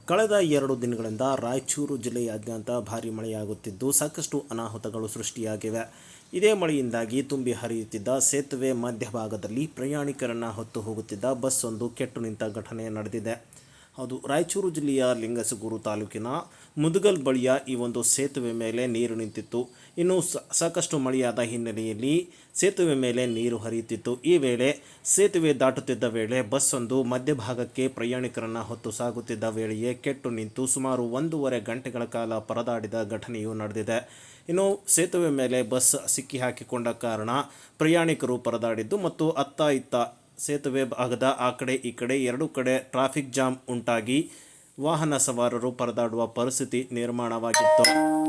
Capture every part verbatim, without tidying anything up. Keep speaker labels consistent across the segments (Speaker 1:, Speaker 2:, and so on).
Speaker 1: ಕಳೆದ ಎರಡು ದಿನಗಳಿಂದ ರಾಯಚೂರು ಜಿಲ್ಲೆಯಾದ್ಯಂತ ಭಾರೀ ಮಳೆಯಾಗುತ್ತಿದ್ದು ಸಾಕಷ್ಟು ಅನಾಹುತಗಳು ಸೃಷ್ಟಿಯಾಗಿವೆ. ಇದೇ ಮಳೆಯಿಂದಾಗಿ ತುಂಬಿ ಹರಿಯುತ್ತಿದ್ದ ಸೇತುವೆ ಮಧ್ಯಭಾಗದಲ್ಲಿ ಪ್ರಯಾಣಿಕರನ್ನು ಹೊತ್ತು ಹೋಗುತ್ತಿದ್ದ ಬಸ್ ಒಂದು ಕೆಟ್ಟು ನಿಂತ ಘಟನೆ ನಡೆದಿದೆ. ಹೌದು, ರಾಯಚೂರು ಜಿಲ್ಲೆಯ ಲಿಂಗಸಗೂರು ತಾಲೂಕಿನ ಮುದಗಲ್ ಬಳಿಯ ಈ ಒಂದು ಸೇತುವೆ ಮೇಲೆ ನೀರು ನಿಂತಿತ್ತು. ಇನ್ನು ಸಾಕಷ್ಟು ಮಳೆಯಾದ ಹಿನ್ನೆಲೆಯಲ್ಲಿ ಸೇತುವೆ ಮೇಲೆ ನೀರು ಹರಿಯುತ್ತಿತ್ತು. ಈ ವೇಳೆ ಸೇತುವೆ ದಾಟುತ್ತಿದ್ದ ವೇಳೆ ಬಸ್ ಒಂದು ಮಧ್ಯಭಾಗಕ್ಕೆ ಪ್ರಯಾಣಿಕರನ್ನು ಹೊತ್ತು ಸಾಗುತ್ತಿದ್ದ ವೇಳೆಯೇ ಕೆಟ್ಟು ನಿಂತು ಸುಮಾರು ಒಂದೂವರೆ ಗಂಟೆಗಳ ಕಾಲ ಪರದಾಡಿದ ಘಟನೆಯು ನಡೆದಿದೆ. ಇನ್ನು ಸೇತುವೆ ಮೇಲೆ ಬಸ್ ಸಿಕ್ಕಿ ಹಾಕಿಕೊಂಡ ಕಾರಣ ಪ್ರಯಾಣಿಕರು ಪರದಾಡಿದ್ದು ಮತ್ತು ಅತ್ತ ಇತ್ತ ಸೇತುವೆ ಭಾಗದ ಆ ಕಡೆ ಈ ಕಡೆ ಎರಡು ಕಡೆ ಟ್ರಾಫಿಕ್ ಜಾಮ್ ಉಂಟಾಗಿ ವಾಹನ ಸವಾರರು ಪರದಾಡುವ ಪರಿಸ್ಥಿತಿ ನಿರ್ಮಾಣವಾಗಿತ್ತು.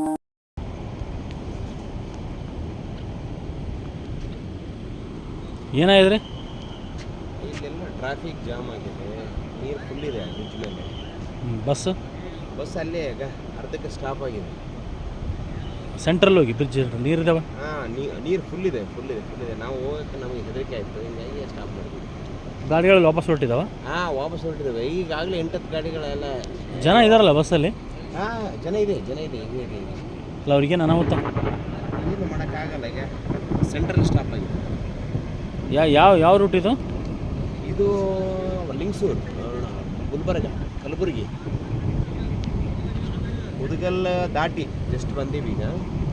Speaker 2: ಏನಾಗಿದೆ?
Speaker 3: ಇಲ್ಲೆಲ್ಲ ಟ್ರಾಫಿಕ್ ಜಾಮ್ ಆಗಿದೆ, ನೀರು ಫುಲ್ ಇದೆ ಬ್ರಿಡ್ಜ್ ಮೇಲೆ.
Speaker 2: ಬಸ್
Speaker 3: ಬಸ್ ಅಲ್ಲೇ ಈಗ ಅರ್ಧಕ್ಕೆ ಸ್ಟಾಪ್ ಆಗಿದೆ.
Speaker 2: ಸೆಂಟ್ರಲ್ ಹೋಗಿ ಬ್ರಿಡ್ಜ್ ನೀರಿದಾವೆ.
Speaker 3: ಹಾಂ, ನೀರು ಫುಲ್ ಇದೆ ಫುಲ್ ಇದೆ ಫುಲ್ ಇದೆ ನಾವು ಹೋಗೋಕ್ಕೆ ನಮಗೆ ಹೆದರಿಕೆ ಆಯಿತು, ಹಿಂಗಾಗಿ ಸ್ಟಾಪ್ ಮಾಡಿದ್ವಿ.
Speaker 2: ಗಾಡಿಗಳು ವಾಪಸ್ ಹೊರಟಿದಾವ?
Speaker 3: ಹಾಂ, ವಾಪಸ್ ಹೊರಟಿದ್ದಾವೆ. ಈಗಾಗಲೇ ಎಂಟತ್ತು ಗಾಡಿಗಳೆಲ್ಲ.
Speaker 2: ಜನ ಇದಾರಲ್ಲ ಬಸ್ಸಲ್ಲಿ?
Speaker 3: ಹಾಂ, ಜನ ಇದೆ ಜನ ಇದೆ ಈಗ ಇದೆ ಈಗ
Speaker 2: ಅಲ್ಲ, ಅವ್ರಿಗೇನು ಅನಾಹುತ?
Speaker 3: ಏನು ಮಾಡೋಕ್ಕಾಗಲ್ಲ, ಈಗ ಸೆಂಟ್ರಲ್ ಸ್ಟಾಪ್ ಆಗಿದೆ.
Speaker 2: ಯಾ ಯಾವ ಯಾವ ರೂಟ್ ಇದು?
Speaker 3: ಇದು ಲಿಂಗಸೂರು, ಗುಲ್ಬರ್ಗ, ಕಲಬುರಗಿ, ಮುದಗಲ್ ದಾಟಿ ಜಸ್ಟ್ ಬಂದೀವಿ ಈಗ.